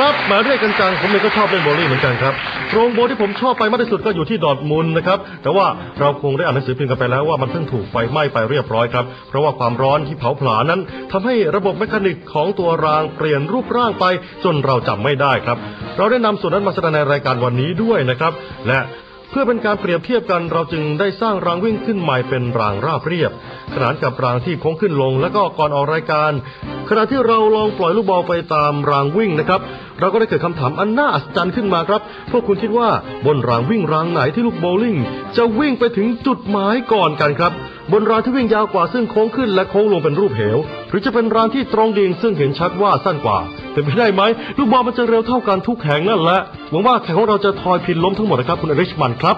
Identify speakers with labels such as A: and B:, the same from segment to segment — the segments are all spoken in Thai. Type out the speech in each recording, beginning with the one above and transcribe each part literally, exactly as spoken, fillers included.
A: ครับมาเรียกกันจังผมเองก็ชอบเล่นโบว์ลิ่งเหมือนกันครับโรงโบว์ที่ผมชอบไปมากที่สุดก็อยู่ที่ดอร์ทมุนด์นะครับแต่ว่าเราคงได้อ่านหนังสือพิมพ์กันไปแล้วว่ามันเพิ่งถูกไฟไหม้ไปเรียบร้อยครับเพราะว่าความร้อนที่เผาผลาญนั้นทำให้ระบบเมคานิกของตัวรางเปลี่ยนรูปร่างไปจนเราจำไม่ได้ครับเราได้นำส่วนนั้นมาแสดงในรายการวันนี้ด้วยนะครับและเพื่อเป็นการเปรียบเทียบกันเราจึงได้สร้างรางวิ่งขึ้นใหม่เป็นรางราบเรียบขนานกับรางที่โค้งขึ้นลงและก็ก่อนออกรายการขณะที่เราลองปล่อยลูกบอลไปตามรางวิ่งนะครับเราก็ได้เกิดคำถามอันน่าอัศจรรย์ขึ้นมาครับพวกคุณคิดว่าบนรางวิ่งรางไหนที่ลูกโบว์ลิ่งจะวิ่งไปถึงจุดหมายก่อนกันครับบนรางที่วิ่งยาวกว่าซึ่งโค้งขึ้นและโค้งลงเป็นรูปเหวหรือจะเป็นรางที่ตรงดิ่งซึ่งเห็นชัดว่าสั้นกว่าเป็นไปได้ไหมลูกบอลมันจะเร็วเท่ากันทุกแห่งนั่นแหละหวังว่าแข่งของเราจะทอยพินล้มทั้งหมดนะครับคุณอริชมันครับ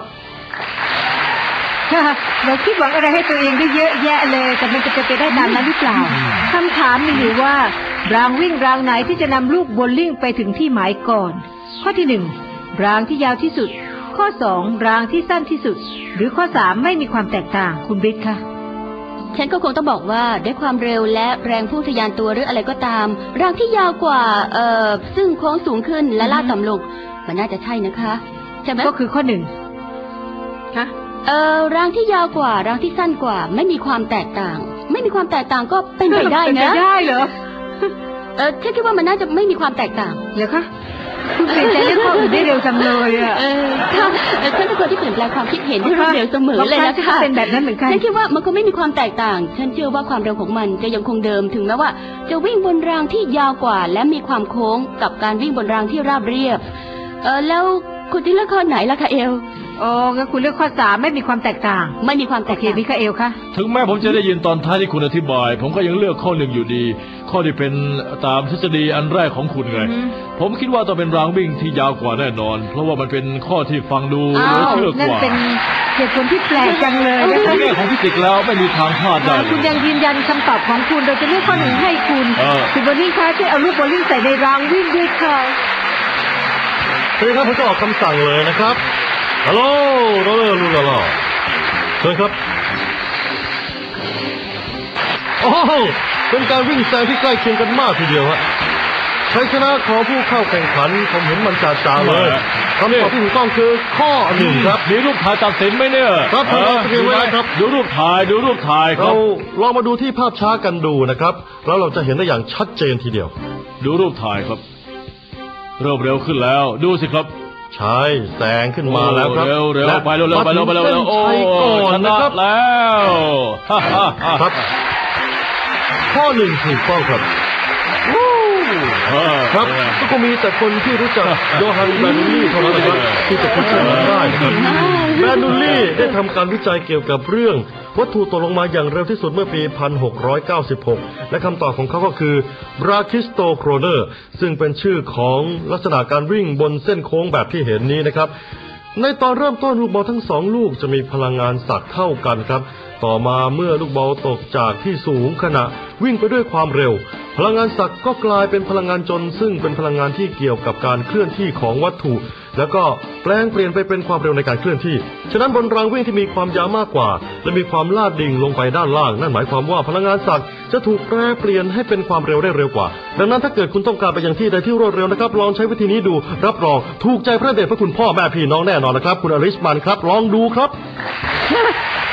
B: เราคิดหวังอะไรให้ตัวเองได้เยอะแยะเลยแต่มันจะเป็นไปได้ตามนั้นหรือเปล่าคำถามมีอยู่ว่ารางวิ่งรางไหนที่จะนำลูกโบว์ลิ่งไปถึงที่หมายก่อนข้อที่หนึ่งรางที่ยาวที่สุดข้อสองรางที่สั้นที่สุดหรือข้อสามไม่มีความแตกต่างคุณบิ๊กค่ะ
C: ฉันก็คงต้องบอกว่าด้วยความเร็วและแรงพุ่งทะยานตัวหรืออะไรก็ตามรางที่ยาวกว่าเอ่อซึ่งโค้งสูงขึ้นและลาดต่ำลงมันน่าจะใช่นะคะใช่ไหม
B: ก็คือข้อหนึ่งค่ะ
C: เอ่อรางที่ยาวกว่ารางที่สั้นกว่าไม่มีความแตกต่างไม่มีความแตกต่างก็เป็นไปได้นะ
B: เป็นไปได้เหรอ
C: เออฉันคิดว่ามันน่าจะไม่มีความแตกต่าง
B: เหรอคะคุณเปลี่ยนใจเรื่องข้ออื่นได้เร็วจังเลยอ่ะ
C: เออค่ะฉันเป็นคนที่เปลี่ยนแปลงความคิดเห็นได้รวดเร็วเสมอเลยนะคะ
B: เป็นแบบนั้นเหมือนกัน
C: ฉันคิดว่ามันก็ไม่มีความแตกต่างฉันเชื่อว่าความเร็วของมันจะยังคงเดิมถึงแม้ว่าจะวิ่งบนรางที่ยาวกว่าและมีความโค้งกับการวิ่งบนรางที่ราบเรียบเออแล้วคุณที่เลือกข้อไหนล่ะคะเอล
B: โอ้งั้นคุณเลือกข้อสามไม่มีความแตกต่าง
C: ไม่มีความแตกต่าง
B: พี่คาเอลคะ
D: ถึงแม้ผมจะได้ยินตอนท้ายที่คุณอธิบายผมก็ยังเลือกข้อหนึ่งอยู่ดีข้อที่เป็นตามทฤษฎีอันแรกของคุณไงผมคิดว่าต้องเป็นรางวิ่งที่ยาวกว่าแน่นอนเพราะว่ามันเป็นข้อที่ฟังดูเหลือเชื่อกว่า
B: นั่นเป็นเหตุผลที่แปลกจังเลย
D: ในแง่ของฟิสิกส์แล้วไม่มีทางพลาดได้
B: คุณยังยืนยันคำตอบของคุณโดยจะเลือกข้อหนึ่งให้คุณคุณโบลิ่งคะช่วยเอาลูกโบลิ่งใส่ในรางวิ่งด้วยค่ะ
A: เฮ้ยครับผมจะออกคำสั่งเลยนะครับฮัลโหลโรเลอร์ลูลาลาเชิญครับโอ้โหเป็นการวิ่งแซงที่ใกล้เคียงกันมากทีเดียวฮะชัยชนะของผู้เข้าแข่งขันผมเห็นมันจ่าๆเลยคำตอบที่ถูกต้องคือข้อหนึ่งครับ
D: มีรูปถ่ายตัดสินไหมเนี่ย
A: ครับผมเอาไปไว้ครับ
D: ดูรูปถ่ายดูรูปถ่าย
A: เราลองมาดูที่ภาพช้ากันดูนะครับแล้วเราจะเห็นได้อย่างชัดเจนทีเดียว
D: ดูรูปถ่ายครับเริ่มเร็วขึ้นแล้วดูสิครับ
A: ใช่แซงขึ้นมาแล้วครับ
D: เร็วเร็วไปเร็วเร็วไปเร็วไปเร็วโอ้ชนะแล้ว
A: ครับข้อหนึ่งถูกต้องครับครับก็มีแต่คนที่รู้จักโยฮันแบนูลลี่เท่านั้นนะครับที่จะพูดถึงได้นะครับแบนูลลี่ได้ทำการวิจัยเกี่ยวกับเรื่องวัตถุตกลงมาอย่างเร็วที่สุดเมื่อปีหนึ่งพันหกร้อยเก้าสิบหกและคำตอบของเขาก็คือบราคิสโตโครเนอร์ซึ่งเป็นชื่อของลักษณะการวิ่งบนเส้นโค้งแบบที่เห็นนี้นะครับในตอนเริ่มต้นลูกบอลทั้งสองลูกจะมีพลังงานสักเท่ากันครับต่อมาเมื่อลูกบอลตกจากที่สูงขณะวิ่งไปด้วยความเร็วพลังงานสักก็กลายเป็นพลังงานจนซึ่งเป็นพลังงานที่เกี่ยวกับการเคลื่อนที่ของวัตถุแล้วก็แปลงเปลี่ยนไปเป็นความเร็วในการเคลื่อนที่ฉะนั้นบนรางวิ่งที่มีความยาวมากกว่าและมีความลาดดิ่งลงไปด้านล่างนั่นหมายความว่าพลังงานสักจะถูกแปลเปลี่ยนให้เป็นความเร็วได้เร็วกว่าดังนั้นถ้าเกิดคุณต้องการไปยังที่ใดที่รวดเร็วนะครับลองใช้วิธีนี้ดูรับรองถูกใจพระเดชพระคุณพ่อแม่พี่น้องแน่นอนนะครับคุณอริชมันครับลองดูครับ